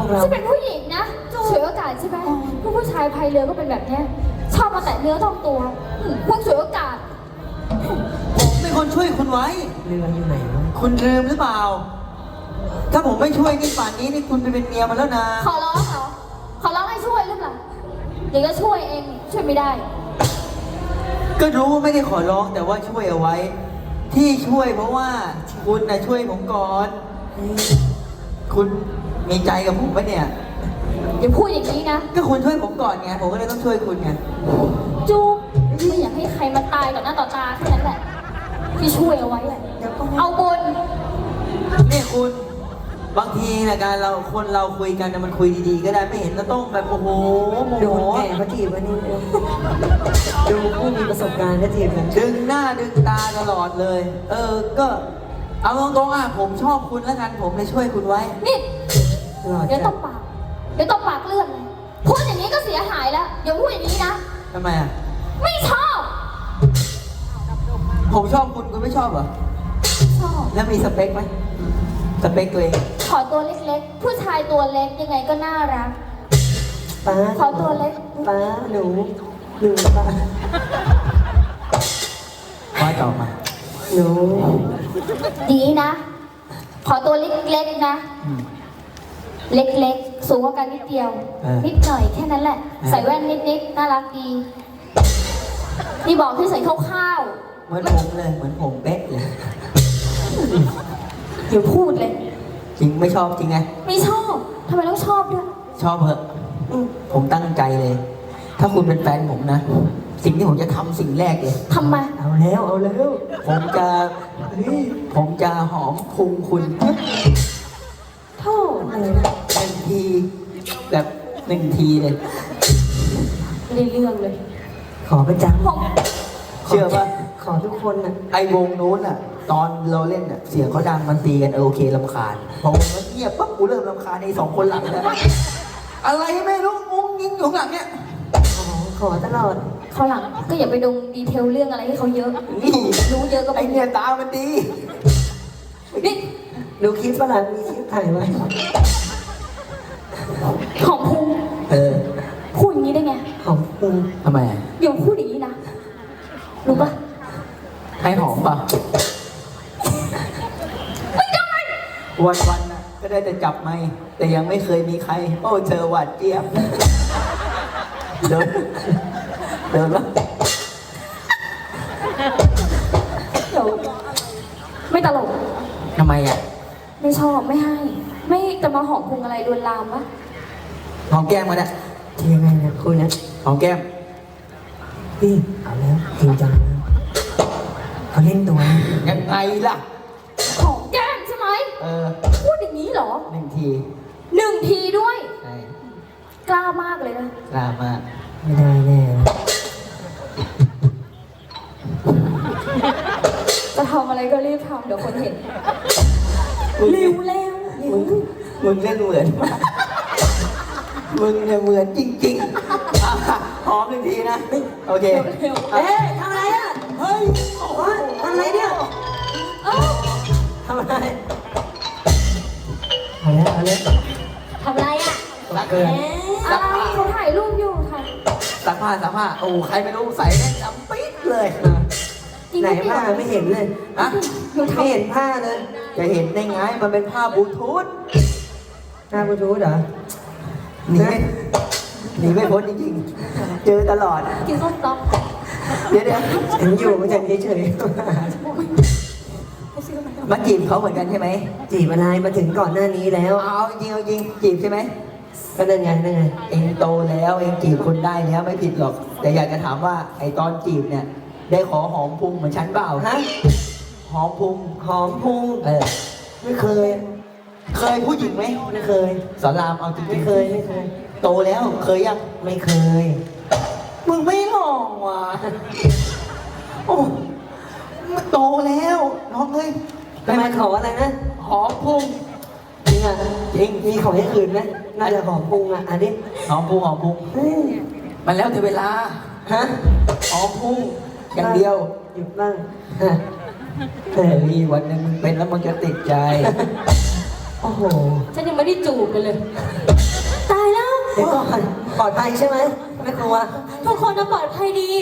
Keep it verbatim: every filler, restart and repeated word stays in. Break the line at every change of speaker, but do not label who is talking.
เรา
ฉันเป็นผู้หญิงนะฉวยโอกาสใช่ไหมพวกผู้ชายพายเรือก็เป็นแบบเนี้ยชอบมาแตะเนื้อต้องตัวอืมพวกฉวยโอกาส
ผมเป็นคนช่วยคุณไว้
เรืออยู่ไหนวะ
คุณลืมหรือเปล่า ถ้าผมไม่ช่วยนี่ป่านนี้นี่คุณไปเป็นเมียมันแล้วนะ
ขอร้องเหรอขอร้องให้ช่วยหรือเปล่าเดี๋ยวก็ช่วยเองช่วยไม่ได้
ก็รู้ว่าไม่ได้ขอร้องแต่ว่าช่วยเอาไว้ ที่ช่วยเพราะว่าคุณนะช่วยผมก่อน คุณมีใจกับผมปะเนี่ย
อย่าพูดอย่างนี้นะ
ก็คุณช่วยผมก่อนไง ผมก็เลยต้องช่วยคุณไง
จูบไม่อยากให้ใครมาตายต่อหน้าต่อตาแค่นั้นแหละ ที่ช่วยเอาไว้อะเอาบน
นี่คุณบางทีนะการเราคนเราคุยกันนะมันคุยดีๆก็ได้ไม่เห็นก็ต้องแบบโอ้โหโม
โด
โห
นแก่มาจีบวันนี้ดูผู้มีประสบการณ์ก็จีบผม
ดึงหน้าดึงตาตลอดเลย เออ ก็เอาตรงๆอ่ะผมชอบคุณแล้วกันผมเลยช่วยคุณไว้
นี่
ตลอด
เดี๋ยวต
จ้ะ
บปาก เดี๋ยวตบปากเลื่อนเลยพูดอย่างนี้ก็เสียหายแล้วอย่าพูดอย่างนี้นะ
ทำไมอ่ะ
ไม่ชอบ
ผมชอบคุณคุณไม่ชอบเหรอ
ชอบ
แล้วมีสเปคไหมสเปคตัวเอง
ขอตัวเล็กๆ ผู้ชายตัวเล็กยังไงก็น่ารัก
ป้า
ขอตัวเล็ก
ป้าหนูหนูป้า
ว่าต่อมา
หนู
ดีนะ ขอตัวเล็กๆนะ
อืม
เล็กๆ สูงกว่ากันนิดเดียว
เออ
นิดหน่อยแค่นั้นแหละ
เออ
ใส่แว่นนิดๆ น่ารักดี นี่บอกที่ใส่ข้าว
เหมือนผมเลยเหมือนผมเป๊ะเลย
ๆอย่าพูดเลย
จริงไม่ชอบจริงไง
ไม่ชอบ ทำไมต้องชอบด้วย
ชอบเหอะอืมผมตั้งใจเลย ถ้าคุณเป็นแฟนผมนะ สิ่งที่ผมจะทำสิ่งแรกเลย
ทำไม
เอาแล้วเอาแล้ว
ผมจะเฮ้ยผมจะหอมพุงคุณ
โท่
อะไรนะ
หนึ่งทีแบบหนึ่งทีเลย
ไม่ได้เรื่องเลย
ขอประจำ
ผม
เชื่อป่ะ
ขอทุกคนน่ะ
ไอวงนู้นอ่ะ ตอนเราเล่นอ่ะ เสียงเขาดังมันตีกันเออโอเคลำคาญพอมันเงียบปั๊บกูเริ่มลำคาญในสองคนหลังแล้วอะไรไม่รู้งงยิงอยู่ข้างหลังเนี่ย
ขอขอตลอด
เขาวหลังก็อย่าไปดงดีเทลเรื่องอะไรให้เขาเยอะ
นี่
รู้เยอะก็
ไอ
ไม่
เนี่ยตามันดี
นี่
ดูคลิปฝรั่งมีคลิปถ่ายไว้
ของภูมิ
เออ
พูดอย่างนี้ได้ไง
ของคุณ
ทำไมอะ
อย่าพูดอย่างนี้นะ รู้ปะ
ให้หอมป่ะวันวันๆน่ะก็ได้แต่จับไม่แต่ยังไม่เคยมีใคร โอ้เธอหวานเจี๊ยบเดินเดินแล้ว
เดี๋ยวไม่ตลก
ทำไมอ่ะ
ไม่ชอบไม่ให้ ไม่จะมาหอมพุงอะไรลวนลามวะ
หอมแก้มกันอ่ะ
จะยังไงนะคุณนะ
หอมแก้ม
พี่เอาแล้วจริงจังนะเขาเล่นตัวนะ
ยังไงล่ะ
หอมแก้มใช่ไหม
เออ
พูดอย่างนี้เหรอ
หนึ่งที
หนึ่งทีด้วย
ใช่
กล้ามากเลยนะ
กล้ามาก
ไม่ได้แน่
จะทำอะไรก็รีบทำเดี๋ยวคนเห็นเร็วเร็วเร็
มึ
ว
งมึงเล่นเหมือนมากมึงเนี่ยเหมือนจริงๆอ่ะหอมหนึ่งทีนะโอเค
เร็ว
เอ๊ะทำอะไรอ่ะ
เฮ้ย
โอ๊ยทำอะไรเนี่ย
เอ้า
ทำอะไรเอาแล้วเอาแล้ว
ทำอะไรอ่ะ
รักเกิน
อะไรเขาถ่ายรูปอยู่ถ่าย
ซักผ้าซักผ้าโอ้ใครไม่รู้ใส่แน่นจำปิ๊ดเลย
จริง
ไหน
เปล่
ผ้าไม่เห็นเลย
อะ
หนู
ไม่
ทำ
เห็นผ้าเลย
จะเห็นได้ไงมันเป็นผ้าบลูทูธ
หน้าบลูทูธเหรอ
หนีไม่หนีไม่พ้นจริงๆ เจอตลอด
กินส้มตำ
เดี๋ยวเดี๋ยว
ฉันอยู่มาจากเฉย
ไปซื้อมา
มาจีบเขาเหมือนกันใช่ไหม
ๆจีบอะไรมาถึงก่อนหน้านี้แล้ว
เอาจริงเอาจริงจีบใช่ไหม
ก็นั่นไงนั่นไง
เองโตแล้วเองจีบคนได้แล้วไม่ผิดหรอก แต่อยากจะถามว่าไอตอนจีบเนี่ย ได้ขอหอมพุงเหมือนฉันเปล่า
ฮะ
หอมพุง
หอมพุง
เออ
ไม่เคย
เคยผู้หญิงไหม
ไม่เคย
สอนรามเอาจริงๆ
ไม่เคยไม่เคย
โตแล้วเคยยัง
ไม่เคย
มึงไม่ลองว่ะโอ้มันโตแล้วน้องเอ้ย
ทำไมขออะไรนะ
หอมพุง
จริงอ่ะ
จริง
มีของอย่างอื่นไหมน่าจะหอมพุงอ่ะอันนี้
หอมพุงหอมพุง
เฮ้ย
มันแล้วแต่เวลา
ฮะ
หอมพุงอย่างเดียว
หยุดบ้างฮะเอ
เฮ้
อย
วันหนึงมึงเป็นแล้วมึงจะติดใจ
โอ้โห
ฉันยังไม่ได้จูบกันเลย ตายแล้ว
เดี๋ยวก่อนปลอดภัยใช่ไหมไม่กลัว
ทุกคนน่ะปลอดภัยดี